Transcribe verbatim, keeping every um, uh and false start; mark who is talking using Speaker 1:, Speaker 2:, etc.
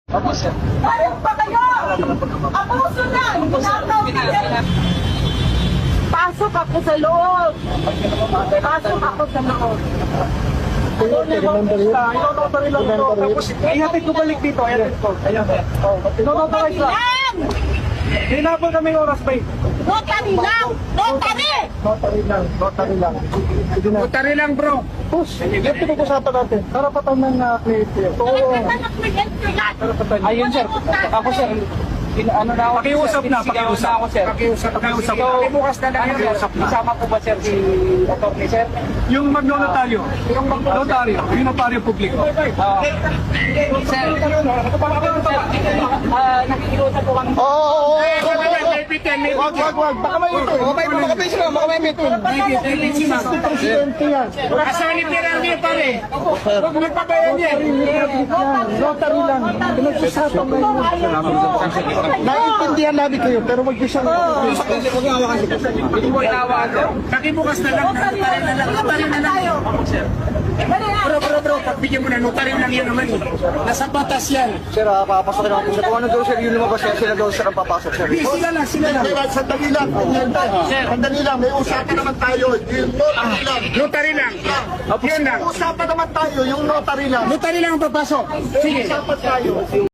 Speaker 1: Opo, sir.
Speaker 2: Ayun pa kayo! Abuso na! Nakaw kayo! Pasok ako sa loob! Pasok ako sa loob!
Speaker 3: Ino-notary lang ito. Tapos ihatid ko balik dito. Ihatid ko. Ayan. Ino-notary lang.
Speaker 2: Lang!
Speaker 3: Hinabol kami oras ba?
Speaker 2: Notary lang! Notary!
Speaker 3: Notary lang. Notary lang. Sige na.
Speaker 1: Notary lang, bro.
Speaker 3: Push. Ito pag-usapan natin. Karapatan ng uh, cliente. Oo.
Speaker 2: Anak may entry
Speaker 3: Karapatan.
Speaker 1: Ayun, sir. Ako, sir. In, ano na ako,
Speaker 3: Pakiusap na,
Speaker 1: Sinisigawan
Speaker 3: pakiusap.
Speaker 1: na ako, sir.
Speaker 3: Pakiusap, pakiusap.
Speaker 1: So, bukas na lang, sir.
Speaker 3: Pakiusap na.
Speaker 1: Isama po ba, sir, si attorney, sir?
Speaker 3: Yung magnotaryo. Yung magnotaryo. Yung notaryo publiko.
Speaker 1: Ah, sir, ah, nakikiusap po kami.
Speaker 3: Oo, oo, oo. Wag, wag, wag. Baka may ito.
Speaker 1: Okay, baka may sila, baka may ito.
Speaker 3: Presidente yan.
Speaker 1: Asan ni Pirang niya, pare? Huwag magpabayan niya.
Speaker 3: Notary lang. Pinag-usapan na yun. Naiintindihan namin kayo, pero mag-isang...
Speaker 1: Hindi mo inawa, sir. Nakibukas na lang, notary na lang, notary na lang. Bro, bro, bro, pagbigyan mo na, notary lang yun naman. Nasa batas yan.
Speaker 4: Sir, ah, papasok na ako. Sir, kung ano daw sir, yun lumabas sir, sila daw sir ang papasok sir.
Speaker 1: Hindi, sila lang, sila lang.
Speaker 3: Sandali lang. Sandali lang. May usapan naman tayo. Yung notary lang.
Speaker 1: Notary lang. Yun lang.
Speaker 3: Usapan naman tayo. Yung notary lang.
Speaker 1: Notary lang ang papasok. Sige.
Speaker 3: Usapan tayo.